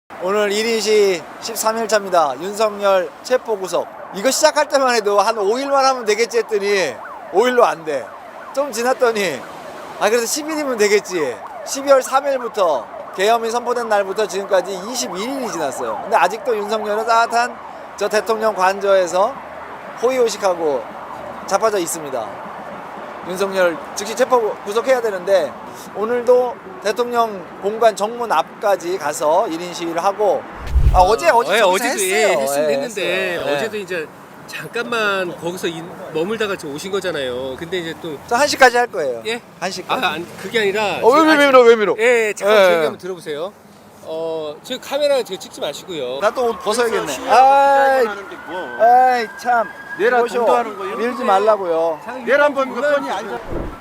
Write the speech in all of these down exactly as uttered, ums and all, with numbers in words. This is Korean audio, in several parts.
오늘 일 인시 십삼 일차입니다. 윤석열 체포 구속. 이거 시작할 때만 해도 한 오 일만 하면 되겠지 했더니 오 일로 안 돼. 좀 지났더니 아 그래서 십 일이면 되겠지. 십이월 삼 일부터 계엄이 선포된 날부터 지금까지 이십일 일이 지났어요. 근데 아직도 윤석열은 따뜻한 저 대통령 관저에서 호의호식하고 자빠져 있습니다. 윤석열 즉시 체포 구속해야 되는데 오늘도 대통령 공관 정문 앞까지 가서 일 인 시위를 하고 아, 어제 어제 네, 저기서 어제도 했어요. 예, 했으면 예, 했는데 했어요. 예. 어제도 이제 잠깐만 거기서 인, 머물다가 지금 오신 거잖아요. 근데 이제 또 저 한 시까지 할 거예요. 예? 한 시까지. 아, 안, 그게 아니라 어, 왜, 왜, 왜 밀어, 왜 밀어? 예, 잠깐 예. 제 얘기 한번 들어보세요. 어, 저 카메라 지금 찍지 마시고요. 나 또 옷 벗어야겠네. 아이, 아이 참. 내라 보쇼. 동도하는 거요? 밀지 말라고요. 내일 한번 몇 번이 아니라.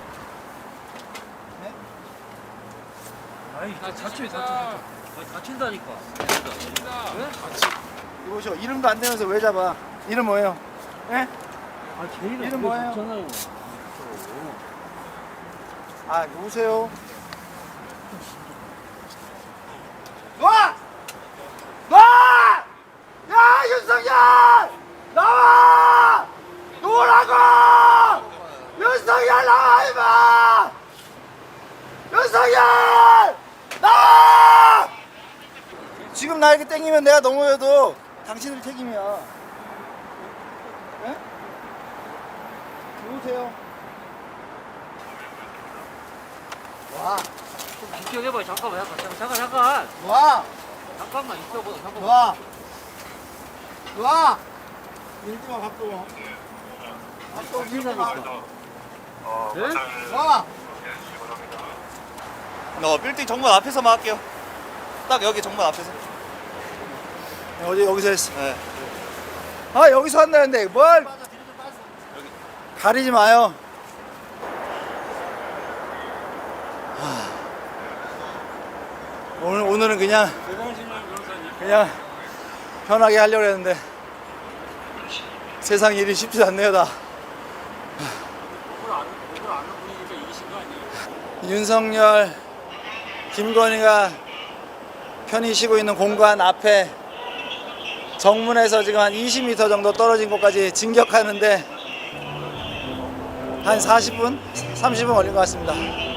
아이, 다쳐, 다쳐, 다쳐. 다친다니까. 이보쇼. 이름도 안 되면서 왜 잡아? 이름 뭐예요? 예? 아, 제일 이름 뭐예요? 좋잖아요. 아, 누구세요? 놔! 놔! 야, 윤석열! 나와! 놓으라고! 윤석열 나와, 임마! 윤석열! 나와! 지금 나 이렇게 땡기면 내가 넘어져도 당신들 책임이야. 예? 누구세요? 와, 좀 비켜내봐. 잠깐만, 잠깐, 잠깐, 잠깐. 와, 잠깐만 있어봐. 잠깐만. 와, 와. 밀지마 박도. 박도 밀지마. 네? 와. 너 빌딩 정문 앞에서만 할게요. 딱 여기 정문 앞에서. 어제 여기서 했어. 네. 아 여기서 한다는데 뭘? 가리지 마요. 하... 오늘 오늘은 그냥 그냥 편하게 하려고 했는데 세상 일이 쉽지 않네요 다. 윤석열, 김건희가 편히 쉬고 있는 공간 앞에 정문에서 지금 한 이십 미터 정도 떨어진 곳까지 진격하는데 한 사십 분? 삼십 분 걸린 것 같습니다.